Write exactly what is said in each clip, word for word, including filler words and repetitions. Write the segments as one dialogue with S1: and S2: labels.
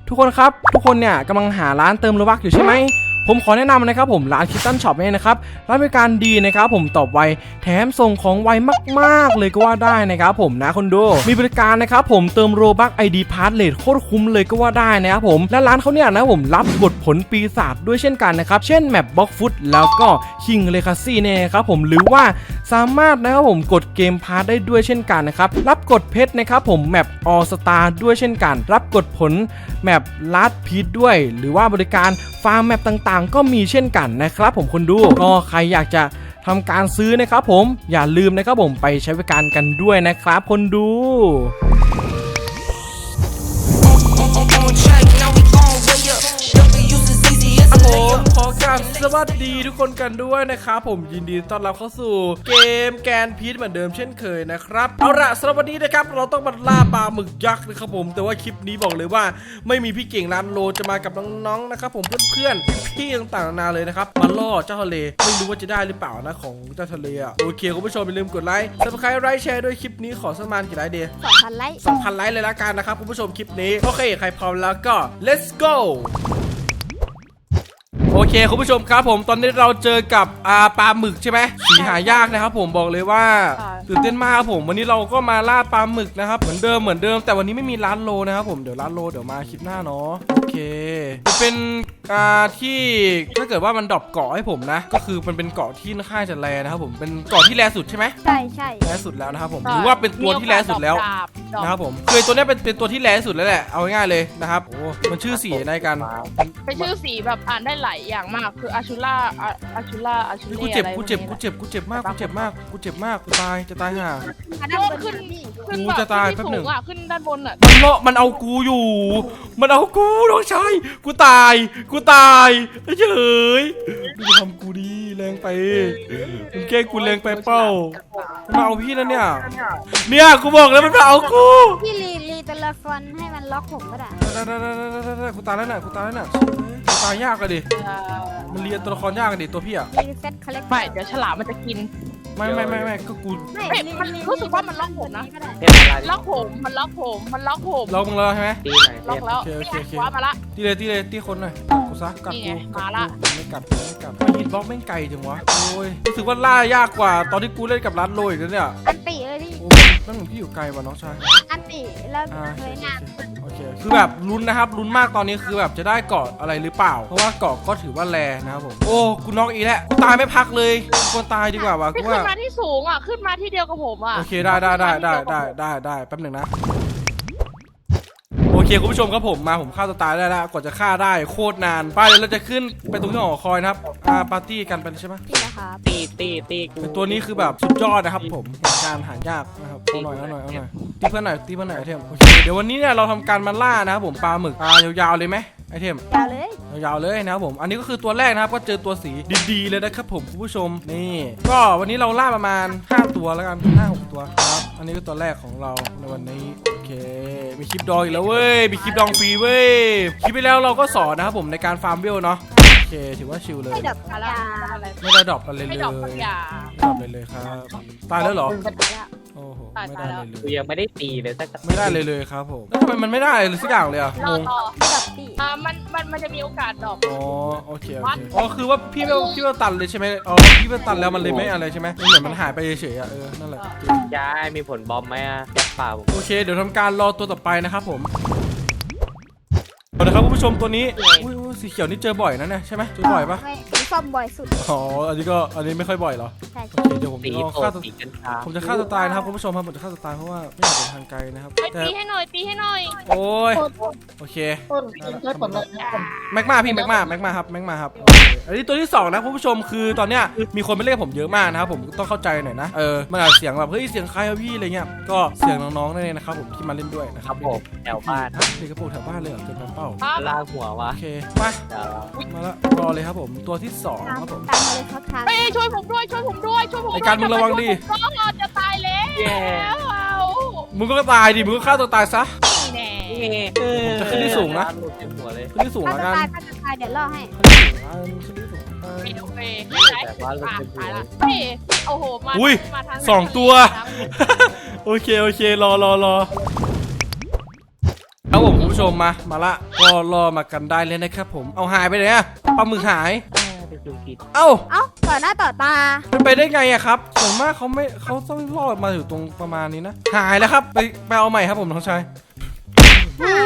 S1: ทุกคนครับทุกคนเนี่ยกำลังหาร้านเติมโลบัคอยู่ใช่ไหมผมขอแนะนำนะครับผมร้านคิตตันช็อปเนี่ยนะครับร้านบริการดีนะครับผมตอบไวแถมส่งของไวมากๆเลยก็ว่าได้นะครับผมนะคนดูมีบริการนะครับผมเติมโลบัค ไอ ดี พาสเลทโคตรคุ้มเลยก็ว่าได้นะครับผมและร้านเขาเนี่ยนะผมรับบทผลปีศาจด้วยเช่นกันนะครับเช่นแมปบล็อกฟุตแล้วก็คิงเลคาซี่เนี่ยครับผมหรือว่าสามารถนะครับผมกดเกมพาสได้ด้วยเช่นกันนะครับรับกดเพชรนะครับผมแมปออลสตาร์ด้วยเช่นกันรับกดผลแมปลาดพีทด้วยหรือว่าบริการฟาร์มแมปต่างๆก็มีเช่นกันนะครับผมคนดูก็ใครอยากจะทำการซื้อนะครับผมอย่าลืมนะครับผมไปใช้บริการกันด้วยนะครับคนดูผมขอกราบสวัสดีทุกคนกันด้วยนะครับผมยินดีต้อนรับเข้าสู่เกมแกนพีทเหมือนเดิมเช่นเคยนะครับเอาละสำหรับวันนี้นะครับเราต้องมาล่าปลาหมึกยักษ์นะครับผมแต่ว่าคลิปนี้บอกเลยว่าไม่มีพี่เก่งร้านโลจะมากับน้องๆนะครับผมเพื่อนๆพี่ๆต่างๆนานาเลยนะครับมาล่อเจ้าทะเลไม่รู้ว่าจะได้หรือเปล่านะของเจ้าทะเลอ่ะโอเคคุณผู้ชมอย่าลืมกดไลค์ซับสไครต์ไลค์แชร์ด้วยคลิปนี้ขอสักประมาณกี่ไลค์ดี
S2: สองพันไลค์
S1: สองพันไลค์เลยละกันนะครับคุณผู้ชมคลิปนี้โอเคใครพร้อมแล้วก็ let's goโอเคคุณผู้ชมครับผมตอนนี้เราเจอกับอ่าปลาหมึกใช่ไหมสีหายากนะครับผมบอกเลยว่าตื่นเต้นมากครับผมวันนี้เราก็มาล่าปลาหมึกนะครับเหมือนเดิมเหมือนเดิมแต่วันนี้ไม่มีร้านโลนะครับผมเดี๋ยวร้านโลเดี๋ยวมาคลิปหน้าเนาะโอเคจะเป็นอ่าที่ถ้าเกิดว่ามันดรอปเกาะให้ผมนะก็คือมันเป็นเกาะที่ค่อนข้างจะแรงนะครับผมเป็นเกาะที่แรงสุดใช่ไหม
S2: ใช่ใช่
S1: แรงสุดแล้วนะครับผมหรือว่าเป็นตัวที่แรงสุดแล้วนะครับผมคือตัวนี้เป็นเป็นตัวที่แรงสุดแล้วแหละเอาง่ายๆเลยนะครับโอ้มันชื่อสีอะไรกัน
S3: เป็นชื่อสีแบบอ่านได้หลายอย่างมากคืออาชูล่าอาชูล่าอาชูเล่
S1: กูเจ็บกูเจ็บกูเจ็บกูเจ็บมากกูเจ็บมากกูเจ็บมากกูตายจะตายห่า
S3: ขึ้นขึ้น
S1: กู
S3: แบบ
S1: จะตาย
S3: ขึ้น
S1: แป๊บหนึ่
S3: สู
S1: ง
S3: งอ่ะขึ้นด้านบนอ่ะ
S1: มันเลาะมันเอากูอยู่มันเอากูน้องชายกูตายกูตายเฉยมึงทำกูดีแรงไปมึงแกล้งกูแรงไปเป้ามันมาเอาพี่แล้วเนี่ยเนี่ยกูบอกแล้วมันมาเอากู
S2: พี่รีรีตัวละครให้มันล็อกผมก็ได้
S1: ได้ได้ได้ได้ได้กูตายแล้วน่ะกูตายแล้วน่ะกูตายยากเลยดิมันเรียนตัวละครยากเลยดิตัวพี่อะ
S2: รีเซ็ตคอลเลก
S3: ไม่เดี๋ยวฉลามมันจะกิน
S1: ไม่ไม่ไม่ไม่ก็กู
S2: ไม่
S3: เฮ้ยมันรู้สึกว่ามันล็อกผมนะ
S4: เทพอะไร
S3: ล็อกผมมันล็อกผมมันล็อกผม
S1: เรามึงแล้วใช่ไหม
S4: ตีหน่อย
S3: ล็อกแล้ว
S1: โอเคโอเคโอเค
S3: คว้ามาละ
S1: ตีเลยตีเลยตีคนหน่อยกูซะกัด
S3: นี่
S1: กู
S3: ไง
S1: กัด
S3: มาละ
S1: กูไม่กัดไม่กัดไม่ฮิตบล็อกแม่งไกลจังวะโอ้ยรู้สึกว่าล่ายากกว่าตอนที่กูเล่นกับร้านโรยอีกแล้วเนี่ย
S2: อันติเลยพี่
S1: โอ้นั่นเหมือนพี่อยู่ไกลว่ะน้องชาย
S2: อันติแล้ว
S1: อ่า
S2: เคยงาน
S1: โอเคคือแบบลุ้นนะครับลุ้นมากตอนนี้คือแบบจะได้เกาะอะไรหรือเปล่าเพราะว่าเกาะก็ถือว่าแรงนะครับผมโอ้กูน็อกอีกแล้วกูตายไม่พักเลยกูตายดีกว่าวะ
S3: ไม่
S1: กู
S3: ขึ้น
S1: ว่า
S3: มาที่สูงอ่ะขึ้นมาที่เดียวกับผมอ่ะ
S1: โอเคได้ได้ได้ได้ได้ได้ได้แป๊บหนึ่งนะโอเคคุณผู้ชมครับผมมาผมฆ่าตัวตายได้แล้วกว่าจะฆ่าได้โคตรนานไปเดี๋ยวเราจะขึ้นไปตรงที่หอคอยนะครับอ่าปาร์ตี้กันไปใช่ไหม
S2: พี่นะครับ
S4: ตีตีตีกู
S1: เป็นตัวนี้คือแบบสุดยอดนะครับผมการหายากนะครับเอาหน่อยเอาหน่อยเอาหน่อยตีเพื่อนหน่อยตีเพื่อนหน่อยไอเทมโอเคเดี๋ยววันนี้เนี่ยเราทำการมาล่านะครับผมปลาหมึกปลายาวๆเลยไหมไอเทม
S2: ยาวเลย
S1: ยาวๆเลยนะครับผมอันนี้ก็คือตัวแรกนะครับก็เจอตัวสีดีๆเลยนะครับผมคุณผู้ชมนี่ก็วันนี้เราล่าประมาณห้าตัวแล้วกันห้าหกตัวครับอันนี้ก็ตัวแรกของเราในวันนี้โอเคมีคลิปดองอีกแล้วเว้ยมีคลิปดองฟรีเว้ยคลิปไปแล้วเราก็สอนนะครับผมในการฟาร์มเวลเนาะโอเคถือว่าชิลเลย
S2: ไม่ดับยา
S3: อะไร
S1: ไม่ได้ดรอปอะไรเลย
S3: ไม่
S1: ไม่
S3: ด
S1: ด
S3: อ
S1: ร
S3: ก
S1: อ
S3: ปัญญา
S1: ปเลยเลยครับตายแล้วเหรอ
S2: ตายแล้ว
S1: โอ้โห
S3: ตาย
S1: ไม่
S3: ตาย
S1: ได้
S3: แล้ว
S1: เลยเลย
S4: กูยังไม่ได้ตีเลยสัก
S1: ไม่ได้เลยเลยครับผมแล้วทำไมมันไม่ได้เลยสักอย่างเลยอ่ะ
S3: รง อง ต่อ
S2: ไม่ดับตี
S3: อ่ามันมันมันจะมีโอกาสดรอป
S1: อ๋อโอเคโอเคอ๋อคือว่าพี่เวลพี่เวลตันเลยใช่ไหมอ๋อพี่เวลตันแล้วมันเลยไม่อะไรใช่ไหมมันเหมือนมันหายไปเฉยๆอ่ะเออนั่นแหละ
S4: ย้ายมีผลบอมไหมอะแจ็คเปล่า
S1: โอเคเดี๋ยวทำการรอตัวต่อไปนะครับผมเอาละครับคุณผู้ชมตัวนี้อุ้ยอุ้ยสีเขียวนี่เจอบ่อยนะเนี่ยใช่ไหมเจอบ่อยปะ
S2: ไม่ผมซ่อมบ่อยสุด
S1: อ๋ออันนี้ก็อันนี้ไม่ค่อยบ่อยเหรอ
S2: ใช่
S1: โอเคเดี๋ยวผม
S4: ตี
S1: ลอง
S4: โต
S1: ฆ่าตัว
S4: ตีกัญชา
S1: ผมจะฆ่าตัวตายนะครับคุณผู้ชมครับผมจะฆ่าตัวตายเพราะว่าไม่อยากเดินทางไกลนะครับ
S3: ไป
S1: แต่
S3: ตีให้หน่อยตีให้หน่อย
S1: โอ้ยโอเคแม็กมาพี่แม็กมาแม็กมาครับแม็กมาครับโอเคอันนี้ตัวที่สองนะคุณผู้ชมคือตอนเนี้ยมีคนไปเล่นผมเยอะมากนะครับผมต้องเข้าใจหน่อยนะเออมันอาจเสียงแบบเฮ้ยเสียงใครอะพี่อะไรเงี้ยก็เสียงน้องๆนั่นเองนะครับผมที่มาเล่นด้วยนะค
S4: ค
S1: รั
S4: รั
S1: บบ
S4: ผมแถวบ้าน
S1: เด็กกระโปรงแถวบ้านเลยเหรอเกินไปเป้า
S3: ครับ
S4: ลากหัววะ
S1: โอเคมา
S4: เดี๋ยว
S1: มาแล้วรอเลยครับผมตัวที่สอง
S2: ตาม
S1: ครับผม
S2: ตามมาเลยครับทาง
S3: เฮ้ยช่วยผมด้วยช่วยผมด้วยช่วยผมด้วย
S1: ไอ้การมึงระวังดิ
S3: ก็จะตายแล้วเอา
S1: มึงก็ตายดิมึงก็ฆ่าตัวตายซะ
S3: นี่แน่
S1: ผมจะขึ้นที่สูงนะ
S4: หลุดเต็มหัวเลย
S1: ขึ้นที่สูง
S2: ถ้า
S1: แล้ว
S2: จะ
S1: กัน
S2: ตายถ้าจะตายเดี๋ยวล่อให้
S1: ขึ้นที่สูงแล้วกัน
S3: ไม่
S1: ขึ้น
S3: โอ
S1: ที่สูง
S3: เค
S4: แต่ว่าหลุดเต็มหัวเลย
S3: เฮ้ยโอ้โหมา
S1: อุ้ย
S3: มาทาง
S1: สองตัว โอเคโอเครอรอรอโอครับผมคุณผู้ชมมามาละก็รอมากันได้เลยนะครับผมเอาหายไปไหนอะปลาหมึกหาย
S4: เป็นจุกิด
S1: เอ้า
S2: เอ้าต่อหน้าต่อตา
S1: เป็นไปได้ไงอะครับส่วนมากเขาไม่เขาต้องรอดมาอยู่ตรงประมาณนี้นะหายแล้วครับไปไปเอาใหม่ครับผมน้องชาย
S2: หาย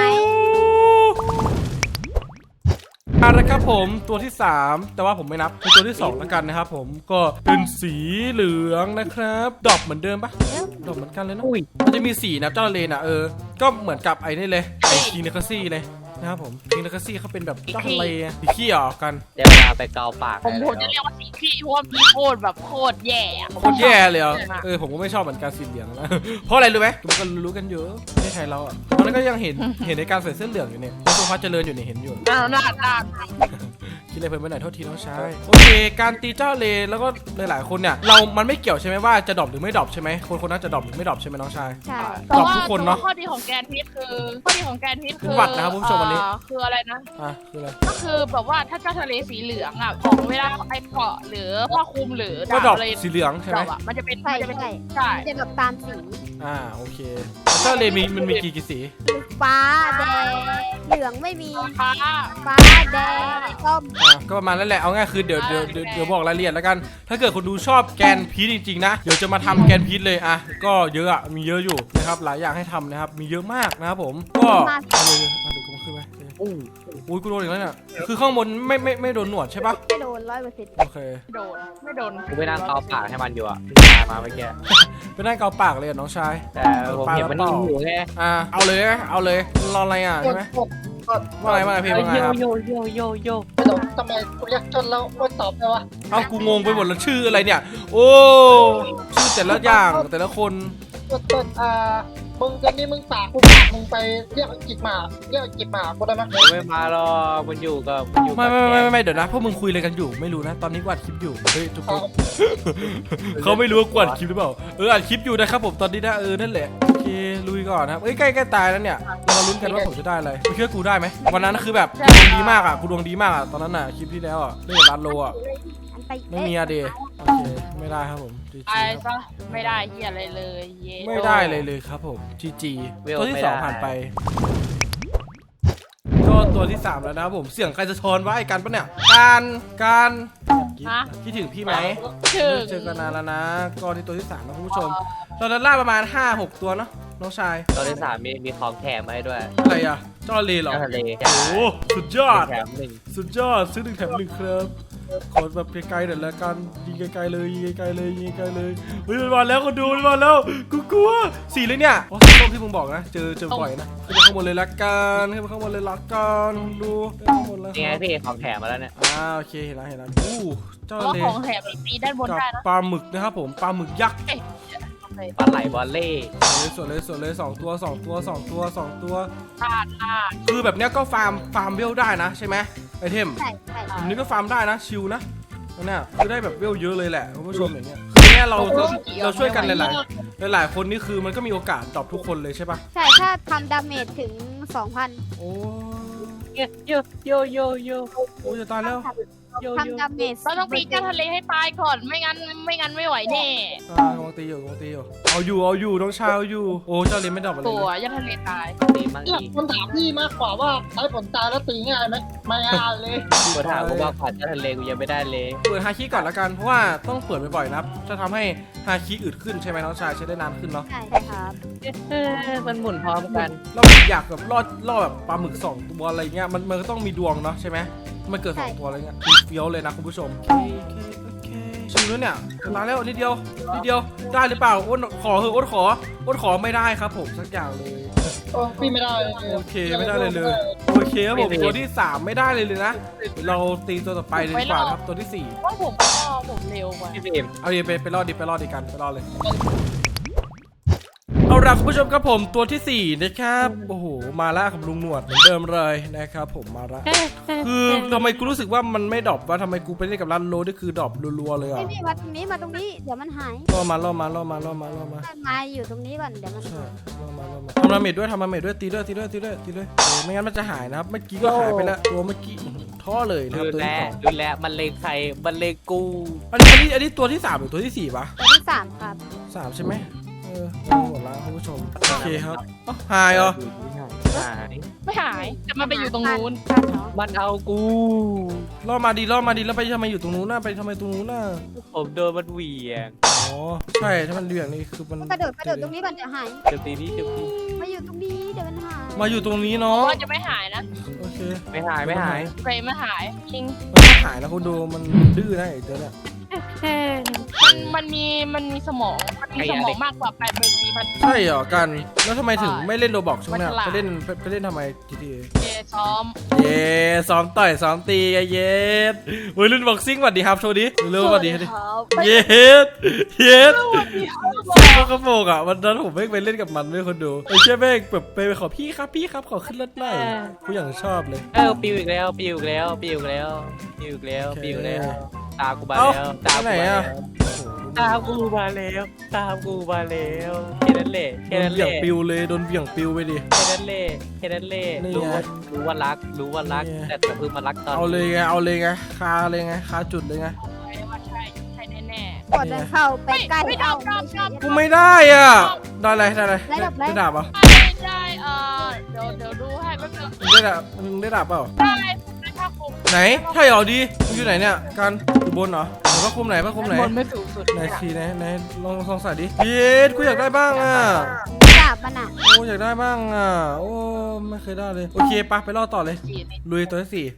S1: เอาละครับผมตัวที่สามแต่ว่าผมไม่นับเป็นตัวที่สองแล้วกันนะครับผมก็เป็นสีเหลืองนะครับดอกเหมือนเดิมปะดอกเหมือนกันเลยเนอะ
S4: อุ้ย
S1: มันจะมีสีนะเจ้าเลนอ่ะเออก็เหมือนกับไอ้นี่เลยไอ้คิงเนคซี่เลยนะครับผมคิงเนคซี่เขาเป็นแบบเจ้าทะเลสีขี้ออกกัน
S4: เดี๋ยวเวลาไปเกาปาก
S3: ผมผมจะเรียกว่าสีขี้เพราะว่าพี่โคตรแบบโคตรแย่อะ
S1: โคตรแย่เลยอ่ะเออผมก็ไม่ชอบเหมือนกันสีเหลืองนะ เพราะอะไรรู้ไหมมันก็รู้กันเยอะไม่ใช่เราอ่ะตอนนั้นก็ยังเห็นเห็นในการใส่เสื้อเหลืองอยู่เนี่ยตัวพัดเจริญอยู่เนี่ยเห็นอยู่
S3: น่าน่าน่า
S1: คิดอะไรเพิ่มไปหน่อยโทษทีน้องชายโอเคการตีเจ้าเลแล้วก็หลายๆคนเนี่ยเรามันไม่เกี่ยวใช่ไหมว่าจะดรอปหรือไม่ดรอปใช่ไหมคนคนนั้นจะดรอปหรือไม่ดรอปใช่ไหมน้องชาย
S2: ใช่
S1: ตอบทุกคนเนอะ
S3: ข้อดีของแกนพิษคือข้อดีของแกนพิษคือ
S1: เป็นหวัดนะครับคุณผู้ชมวันนี้
S3: เอ่อคืออะไรนะ
S1: อ่ะคืออะไร
S3: ก็คือแบบว่าถ้าเจ้าทะเลสีเหลืองอ่ะของเวลาไอ้เกาะหรือผ้าคลุมหรือ
S1: ก็ดรอป
S3: อะไร
S1: สีเหลืองใช่
S3: ด
S1: ไหม
S3: อกอ่ะมันจะเป็น
S2: ใช่
S3: มันจะเป็น
S2: ใช่
S3: ใช่
S2: จะแบบตามสี
S1: อ่าโอเคเจ้าเลมีมันมีกี่กี่สี
S2: ฟ้าแดงเหลืองไม่มี
S3: ฟ้า
S2: ฟ้าแดงส้ม
S1: อ่าก็ประมาณนั้นแหละเอาง่ายคือเดี๋ยวเดี๋ยวเดี๋ยวเดี๋ยวบอกรายละเอียดแล้วกัน ถ้าเกิดคนดูชอบแกนพีชจริงๆนะเดี๋ยวจะมาทำแกนพีชเลยอ่ะก็เยอะอ่ะมีเยอะอยู่นะครับหลายอย่างให้ทำนะครับมีเยอะมากนะครับผมก็เอาเลยเอาเลยกูมาขึ้นไหม
S4: อู้
S1: อุ้ยกูโดนอีกแล้วเนี่ยคือข้างบนไม่ไม่ไม่โดนหนวดใช่ปะ
S2: ไม่โดนร้อยเปอร์เซ็นต์
S1: โอเค
S3: ไม่โดนไม่โดน
S4: กูไปนั่งเกาปากให้มันอยู่อ่ะตายมาเมื่อกี้
S1: ไปนั่งเกาปากเลยอ่ะน้องชาย
S4: แต่ผมเห็นมันนิ่งอยู่ไง
S1: อ่าเอาเลยนะเอาเลยรออะไรอ่ะใช่ไหมว่าไงว่าไงพี่ว่าไง
S4: โย
S1: ครับ
S4: โยโยโยโย
S5: ไม่ตอบทำไมกูเรียกจนแล้วไม่ตอบเลยวะ
S1: เอากูงงไปหมดแล้วชื่ออะไรเนี่ย โอ้ชื่อแต่ละอย่างแต่ละคน
S5: ต้นต้นอ่ามึงกันนี่มึงปากกูปากมึงไปเรียกจิกหมาเรียกจิกหมากูได้ไหม
S4: ไม่มาหรอกมันอยู่กับมันอยู่กั
S1: ไม่
S4: บ
S1: ไม่
S4: แก
S1: ไม่ไม่ไม่เดี๋ยวนะพวกมึงคุยอะไรกันอยู่ไม่รู้นะตอนนี้กูอัดคลิปอยู่เฮ้ยทุกคนเขาไม่รู้ว่ากูอัดคลิปหรือเปล่าเอออัดคลิปอยู่นะครับผมตอนนี้นะเออนั่นแหละโอเคลุยก่อนนะครับเอ้ยใกล้ใกล้ตายแล้วเนี่ยเรามาลุ้นกันว่าผมจะได้อะไรมึงเชื่อกูได้ไหมวันนั้นคือแบบกูดวงดีมากอ่ะกูดวงดีมากอ่ะตอนนั้นน่ะคลิปที่แล้วอ่ะเล่นกับร้านโลอ่ะ
S2: อันไป
S1: ไม่มีอะเดโอเคไม่ได้ครับผมจี
S3: ไป
S1: จี
S3: ซะไม่ได้เฮียอะไรเลยเย้
S1: ไม่ได้เลยเลยครับผมจีจีตัวที่สองผ่านไป ก็ตัวที่สามแล้วนะครับผมเสียงใครจะทอนว่าไอ้กันปะเนี่ยการการคิดถึงพี่ไหม
S3: ถึง
S1: เจอกันนานแล้วนะก็ที่ตัวที่สามนะคุณผู้ชมเราจะล่าประมาณ ห้าหก ตัวเนาะน้องชาย
S4: ตอนที่สามมีมีของแถมมาให้ด้วย
S1: อะไรอ่ะจอเลเหรอ
S4: เจ้าทะเล
S1: โอ้โหสุดยอด
S4: แถมหนึ่ง
S1: สุดยอดซื้อหนึ่งแถมหนึ่งครับขอแบบไกลๆหน่อยละกันยิงไกลๆเลยยิงไกลๆเลยยิงไกลๆเลยเฮ้ยมันมาแล้วก็ดูมันมาแล้วกูกลัวสีเลยเนี่ยอ๋อสีส้มที่มึงบอกนะเจอเจอบ่อยนะขึ้นไปข้างบนเลยละกันขึ้นไปข้างบนเลยละกันดูขึ้นไปข้างบนแล้ว
S4: นี่ไงพี่ของแถมมาแล้วเนี่ย
S1: อ่าโอเคเห็นแล้วเห็นแล้วอู้เจ้า
S3: เพราะ
S1: เล
S3: ของแถมตีด้านบน
S1: กับ
S3: ได้นะ
S1: ปลาหมึกนะครับผมปลาหมึกยักษ์
S3: เอ้ย
S4: ปลาไหลบอลเล่
S1: สวยเลยสวยเลยสวยเลยสองตัวสองตัวสองตัวสองตัว
S3: พลาดพลาด
S1: คือแบบเนี้ยก็ฟาร์มฟาร์มเวลได้นะใช่ไหมไอเทม
S2: ใช่ใช่
S1: แบบนี้ก็ฟาร์มได้นะชิลนะนั่นน่ะคือได้แบบเวลเยอะเลยแหละคุณผู้ชมอย่างเงี้ยคือเนี้ยเราเราเราช่วยกันหลายๆหลายๆคนนี่คือมันก็มีโอกาสดรอปทุกคนเลยใช่ปะ
S2: ใช่ถ้าทำดาเมจถึง สองพัน
S1: โอ้
S4: โยโยโยโยโย
S1: โอ้จะตายแล้ว
S4: โยโย
S2: ทำดาเมจ
S3: เราต้องตีเจ้าทะเลให้ตายก่อนไม่งั้นไม่งั้นไม่ไหวแน่
S1: อ่ากำลังตีอยู่กำลังตีอยู่เอาอยู่เอาอยู่น้องชายเอาอยู่โอ้เจ้าเลนไม่ดรอปอะไร
S3: ตัว
S1: เลย
S3: เจ้าทะเลตาย
S4: ตีมัง
S5: หลัก
S4: อีก
S5: มันถามพี่มากกว่าว่าใช้ผลตายแล้วตีง่ายไหมไม่ง่ายเลย
S4: กูถามกูว่าผ่านเจ้าทะเลกูยังไม่ได้เลย
S1: เปิดฮาคิก่อนละกันเพราะว่าต้องเปิดบ่อยๆนะครับจะทำให้ฮาคิอึดขึ้นใช่ไหมน้องชายใช้ได้นานขึ้นเนาะ
S2: ใช่ใช่ครับ
S4: เออมันหมุนพร้อมกัน
S1: เราอยากแบบรอดรอดแบบปลาหมึกสองตัวอะไรเงี้ยมันมันก็ต้องมีดวงเนาะใช่ไหมมันเกิดสองตัวอะไรเงี้ยคือเฟี้ยวเลยนะคุณผู้ชมโอเคโอเคชิวแล้วเนี่ยมาแล้วนิดเดียวนิดเดียวได้หรือเปล่าอ้นขอเถอะอ้นขออ้นขอไม่ได้ครับผมสักอย่างเลย
S5: โอ้พี่ไม่ได้เลย
S1: โอเคไม่ได้เลยเลยโอเคครับผมตัวที่สามไม่ได้เลยเลยนะเดี๋ยวเราตีตัวต่อไปเลยดีกว่านะครับตัวที่สี่
S3: ว่าผมก็ผมเร็วกว่า
S4: พี่บีม
S1: เอาดิไปไปรอดดิไปรอดดิกันไปรอดเลยเอาล่ะคุณผู้ชมครับผมตัวที่สี่นะครับโอ้โหมาแล้วครับลุงหนวดเหมือนเดิมเลยนะครับผมมาแล้วคือทำไมกูรู้สึกว่ามันไม่ดรอปวะทำไมกูไปเล่นกับร้านโลนี่คือดรอปรัวๆเลยอ่ะ
S2: ไม่พี่มาตรงนี้มาตรงนี้เดี๋ยวมันหาย
S1: ล่อมาล่อมาล่อมาล่อมาล่อมา
S2: ต้นไม้อยู่ตรงนี้ก่อนเดี๋ยวมัน
S1: ใช่
S2: หาย
S1: ล่อมาล่อมาทำดาเมจด้วยทำดาเมจด้วยตีด้วยตีด้วยตีด้วยตีด้วยเออไม่งั้นมันจะหายนะครับเมื่อกี้ก็หายไปแล้วตัวเมื่อกี้ท่อเลยนะครับ
S4: ดู
S1: ตัว
S4: แล
S1: ที่สอง
S4: ดูแลมันเลงใครมันเลงกู
S1: อันนี้อันนี้อันนี้ตัวที่สามหรือตัวที่สี่ปะ
S2: ตัวที่สามครับ
S1: สามใช่ไหมเออเอาหมดแล้วคุณผู้ชมโอเคครับเอ้าหายเหรอ
S4: หาย
S3: ไม่หายแต่มันไปอยู่ตรงนู้น
S2: บ้านเนาะ
S4: มันเอากู
S1: ล่อมาดีล่อมาดีแล้วไปทำไมอยู่ตรงนู้นน่ะไปทำไมตรงนู้นน่ะ
S4: ผมโดนมันเหวี่ยง
S1: อ๋อใช่ถ้ามันเรื่องนี้คือมัน
S2: กระโดดกระโดดตรงนี้ก่อนเดี๋ยวหาย
S4: เจ็บตีนี้เจ็บตี
S2: มาอยู่ตรงนี้เดี๋ยวมันหาย
S1: มาอยู่ตรงนี้เนาะ
S3: ว่าจะไม่หายนะ
S1: โอเค
S4: ไม่หายไม่หาย
S3: เฟรมไม่หายจริง
S1: มันไม่หายแล้วคุณดูมันดื้อนะไอ้เจ้าเนี่ย
S3: มันมันมีมันมีสมองมันมีสมองมากกว่าแปดหมื่นสี่พัน
S1: ใช่เหรอกันแล้วทำไมถึงไม่เล่นโรบอกช่วงนี้
S3: มันฉลาด
S1: ไปเล่นไปไปเล่นทำไม จี ที เอ
S3: เจซ้อม
S1: เย้ซ้อมต่อยซ้อมตีไอ้เย็ดเฮ้ยรุ่นบ็อกซิ่งสวัสดีครับโชว์ดิเร็วๆสวัสดีดิเย็ดเย็ดซิ่งก็กระโปงอ่ะวันนั้นผมไม่ไปเล่นกับมันไม่คนดูไอ้เจ้าแม่งแบบไปขอพี่ครับพี่ครับขอขึ้นรถหน่อยกูอย่างชอบเลย
S4: เออปิวอีกแล้วปิวอีกแล้วปิวอีกแล้วปิวอีกแล้วปิวอีกแล้วตากูมา
S1: เอ้า
S4: แล้วตา
S1: ไป
S4: กู
S1: ไหน
S4: มาแล้
S1: อ่ะ
S4: วตากูมาแล้วตากูมาแล้วแค่นั้นแหละ
S1: โด
S4: แค่
S1: น
S4: นั้น
S1: เบี่
S4: แห
S1: ยง
S4: ละ
S1: ปิวเลยโดนเบี่ยงปิวไปดิ
S4: แค่นั้นแหละแค่นั้นแหละ
S1: นี่
S4: รู้
S1: ไง
S4: ว่ารู้ว่ารักรู้ว่ารัก
S1: นี่ไง
S4: แต่แต่เพิ่งมารักตอน
S1: เอาเลยไงเอาเลยไงคาเลยไงคาจุดเลยไง
S3: ใช่ว่าใช่ใช่แน่
S2: กดเดินเข้าไปใกล้
S3: ไม่
S2: เอา
S3: ไม่
S2: ไม่
S3: ช
S2: ใช่
S3: อบ
S1: กูไม่ได้อ่ะได้อะไรได้อะไร
S2: ได้ดาบอะไร
S1: ได้ดาบเหรอ่ะ
S3: ๆไม่ได้เออเดี๋ยวเดี๋ยวดูให้แป๊บนึง
S1: มึงได้ดาบมึงได้ดาบเปล่า
S3: ได้ได้ผ้าคลุม
S1: ไหนใช่เหรอดีมึงอยู่ไหนเนี่ยกันอยู่บนเหรอไหนพระคุมไหนพระคุมไหน
S3: บนไม่สูงสุด
S1: ไหนทีไหนไหนลองลองใส่ดิเย็ดกูอยากได้บ้างอ่ะ
S2: ดาบมันอ่ะ
S1: โอ้อยากได้บ้างอ่ะโอ้ไม่เคยได้เลยโอเคปะไปล่อต่อเลย
S3: จีน
S1: ลุยตัวที่สี่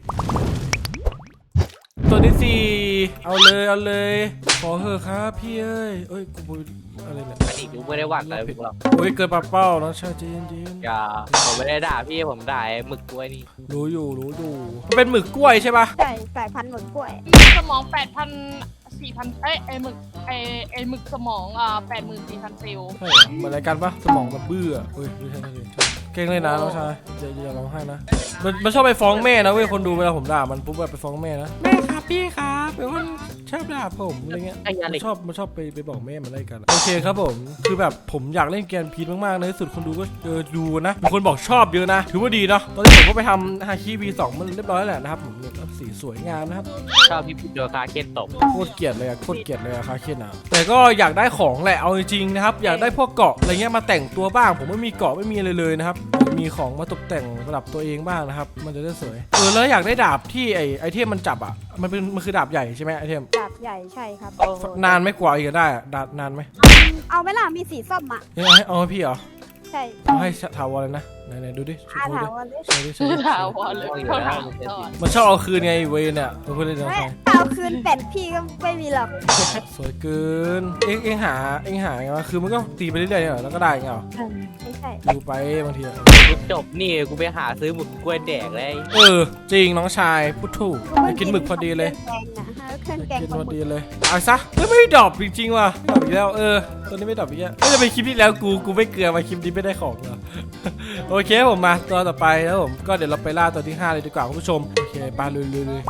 S1: ตัวที่สี่เอาเลยเอาเลยขอเถอะครับพี่เอ้ยเอ้ยกูบุอะไรเนี่ย
S4: อันนี้กูไม่ได้หวังอะไรพวกเรา
S1: โอ้ยเกินปากเป้าน้องชายเจนเจน
S4: อย่าผมไม่ได้ด่าพี่ผมด่าไอ้หมึกกล้วยนี่
S1: รู้อยู่รู้อยู่มันเป็นหมึกกล้วยใช่ปะ
S2: ใช่สายพันธุ์หมดกล้วย
S3: สมองแปดพันสี่พันเอ้ยไอหมึกไอไอหมึกสมองอ่าแปดหมื่นสี่พันเซลล์
S1: ใช่เหรอเหมือนอะไรกันปะสมองมันเบื่อเฮ้ยไม่ใช่ไม่ใช่เก่งเลยนะน้องชายอย่าอย่าร้องไห้นะมันมันชอบไปฟ้องแม่นะเว้ยคนดูเวลาผมด่ามันปุ๊บแบบไปฟ้องแม่นะแม่ครับพี่ครับเป็นคนชอบด่าผมอะไรเงี้ย
S4: ไอ้ยา
S1: มั
S4: เหล็
S1: น
S4: ก
S1: ชอบมันชอบไปไปบอกแม่มันอะไรกันโอเคครับผมคือแบบผมอยากเล่นเกมพีทมากๆในที่สุดคนดูก็เออดูนะมีคนบอกชอบเยอะนะถือว่าดีเนาะตอนนี้ผมก็ไปทำฮาคิ วี สองมันเรียบร้อยแล้วแหละนะครับผมเนี่ยสีสวยงามนะครับ
S4: ชอบพี่พูดโดนคาเคนตบ
S1: โคตรเกลียดเลยอะโคตรเกลียดเลยอะคาเคนอะแต่ก็อยากได้ของแหละเอาจริงๆนะครับอยากได้พวกเกราะอะไรเงี้ยมาแต่งตัวบ้าง ผมไม่มีเกราะไม่มีอะไรเลยนะครับมีของมาตกแต่งประดับตัวเองบ้างนะครับมันจะได้สวยเออแล้วอยากได้ดาบที่ไอไอเทมมันจับอะมันเป็นมันคือดาบใหญ่ใช่ไหมไอเทม
S2: ดาบใหญ่ใช่ครับ
S1: นานไหม่กว่าอีกจะได้อะดาบนานไหม
S2: เอาไหมล่ะมีสีส้มอ่ะ
S1: เอาให้เอาให้พี่เหรอ
S2: ใช่
S1: เอาให้ถาวรเลยนะไหนไหนดูดิช่วย
S2: อา
S1: ดู
S2: ถา
S1: ดิ
S2: วรเลย
S1: ช่วยดิช่วยดิ
S3: ถาวรเลยเขาถามก่อน
S1: มันชอบเอาคืนไงเวยเนี่ยเพื่อนเล่นน้อง
S2: ไม่
S1: ชาย
S2: เอาคืนเป็ดพี่ก็ไม่มีหรอก
S1: สวยเกินเอ็งเอ็งหาเอ็งหาไงวะคือมันก็ตีไปเรื่อยๆเหรอแล้วก็ได้ไงเหรอ
S2: ไม่ใช่
S1: ดูไปบางทีอะ
S4: กูจบนี่กูไปหาซื้อหมึกกล้วยแดกเลย
S1: เออจริงน้องชายพูดถูกไปกินหมึกพอดีเลย
S2: เครื่องแกง
S1: กิน
S2: ปลา
S1: พ
S2: ห
S1: อ
S2: มึก
S1: ดีเลยเอาซะไม่ไม่ดรอปจริงๆว่ะดรอปอีกแล้วเออตัวนี้ไม่ดรอปอีกแล้วไม่จะไปคลิปที่แล้วกูกูไม่เกลือมาคลิปนี้ไม่ได้ของเหรอ โอเคผมมาตัวต่อไปแล้วผมก็เดี๋ยวเราไปล่าตัวที่ห้าเลยดีกว่าคุณผู้ชมโอเคไปเลยเลยเลย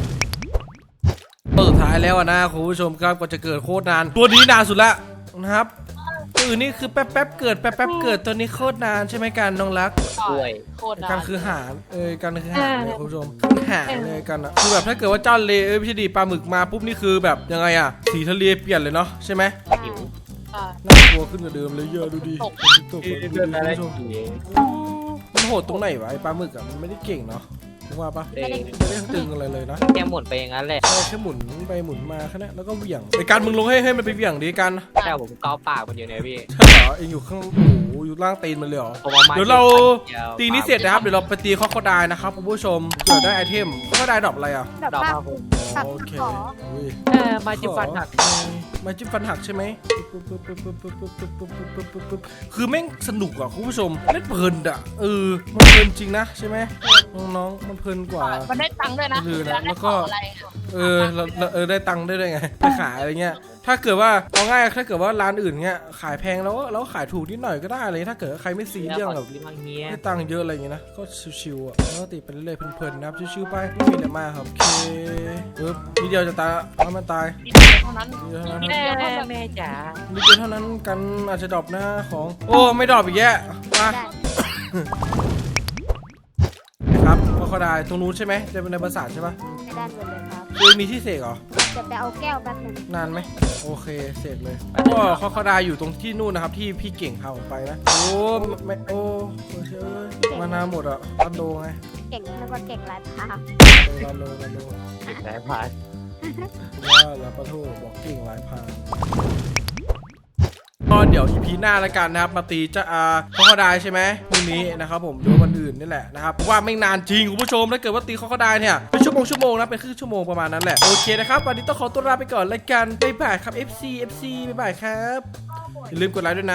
S1: ตัวสุดท้ายแล้วอะนะคุณผู้ชมครับก็จะเกิดโคตรนานตัวนี้นานสุดละนะครับตัวอื่นนี่คือแป๊บแป๊บๆเกิดแป๊บแป๊บๆเกิดตัวนี้โคตรนานใช่ไหมกันน้องรัก
S4: กล้วย
S3: โคตร
S1: กัน
S3: นาน
S1: คือหารเอ้ยกันคือหารเลยคุณผู้ชมคือหารเลยกันอะคือแบบถ้าเกิดว่าเจ้าเลเอ้ยไม่ใช่ดีปลาหมึกมาปุ๊บนี่คือแบบยังไงอะสีทะเลเปลี่ยนเลยเนาะใช่ไหม
S4: หิว
S3: อ่า
S1: น่ากลัวขึ้นกว่าเดิมเลยเยอะดูดิ
S3: ตก
S1: ตก
S4: เดิ
S1: ดูดิ
S4: นอะไร
S1: คุณผู้ชม
S4: เอง
S1: โอ้มันโหดตรงไหนวะไอ้ปลาหมึกอะมันไม่ได้เก่งเนาะรู้ว่าปะ
S4: เอง
S1: ไม่ได้ตึงอะไรเลยนะ
S4: แค่หมุนไปอย่างนั้นแหละ
S1: ใช่แค่หมุนไปหมุนมาแค่นั้นแล้วก็เหวี่ยงไอ้การมึงลงให้ให้มันไปเหวี่ยงดีกัน
S4: แต่ผมเกาปากมันอยู่เนี่ยพี่
S1: ใช่เหรอเองอยู่ข้างโอ้โหอยู่ล่างตีนมันเลยเหรอ
S4: ผมเอามา
S1: เดี๋ยวเราตีนี้เสร็จนะครับเดี๋ยวเราไปตีคอคอไดายนะครับคุณผู้ชมเกิดได้ไอเทมคอคอไดายดรอปอะไรอ่ะ
S2: ดอก
S4: ดอก
S2: ผ้า
S4: ผ้าผม
S2: ตัด
S1: โอเค
S2: ขอ
S1: อุ้ย
S4: เออมาจิ้มฟันหัก
S1: ไม้จิ้มฟันหักใช่ไหมคือแม่งสนุกอ่ะคุณผู้ชมเล่นเพลินอ่ะเออมันเพลินจริงนะใช่ไหมน้องๆมันเพลินกว่า
S3: มันได้ตังค์ด้วยนะ
S1: ลืมนะ
S3: ได้
S1: แล้วก็
S3: ของอะไรอะ
S1: เออเราเราเออได้ตังค์ได้ด้วยไงไปขายอะไรเงี้ยถ้าเกิดว่าเอาง่ายถ้าเกิดว่าร้านอื่นเงี้ยขายแพงแล้วเราขายถูกนิดหน่อยก็ได้เลยถ้าเกิดใครไม่ซีเรื่องแบบ
S4: ที่บางเงี้ย
S1: ได้ตังค์เยอะอะไรอย่างเงี้ยนะก็ชิวๆอ่ะแล้วก็ตีไปเรื่อยๆเพลินๆนะครับชิวๆไปไม่มีอะไรมากครับโอเคปึ๊บนิดเดียวจะตายแล้วมันตาย
S3: นิดเดียวเท่านั้น
S1: นิดเดียวเท่านั้น
S3: นิด
S1: ครับ
S3: เดียวเท่านั้น
S4: แม่จ๋า
S1: นิดเดียวเท่านั้นกันอาจจะดรอปหน้าของโอ้ไม่ดรอปอีกแย่มา
S2: ได้
S1: ครับก็เขาได้ตรงนู้นใช่ไหมจะเป็นในปราสาทใช่ปะ
S2: ไม่ได้หมดเลยครับ
S1: คือมีที่เสกเหรอ
S2: จะไปเอาแก้วแป๊บหนึง
S1: นานไหมโอเคเสร็จเลยก็เขาเขาได้อยู่ตรงที่นู่นนะครับที่พี่เก่งพาผมไปนะโอ้ไม่โอ้โอ้เชื่อมานานหมดอ่ะรันโดไง
S2: เก่งแล้วก็เก่งหลายทาง
S1: รันโดรันโด
S4: ไหนผ่าน
S1: ว่าแล้วปะโทบอกเก่งหลายพานก็เดี๋ยวอีพีหน้าแล้วกันนะครับมาตีจะอาเขาเขาได้ใช่ไหมพรุ่งนี้นะครับผมหรือวันอื่นนี่แหละนะครับเพราะว่าไม่นานจริงคุณผู้ชมถ้าเกิดว่าตีเขาเขาได้เนี่ยเป็นชั่วโมงชั่วโมงนะเป็นครึ่งชั่วโมงประมาณนั้นแหละโอเคนะครับวันนี้ต้องขอตัวลาไปก่อนแล้วกันบ๊ายบายครับ เอฟ ซี เอฟ ซี บ๊ายบายครับอย่าลืมกดไลค์ด้วยนะ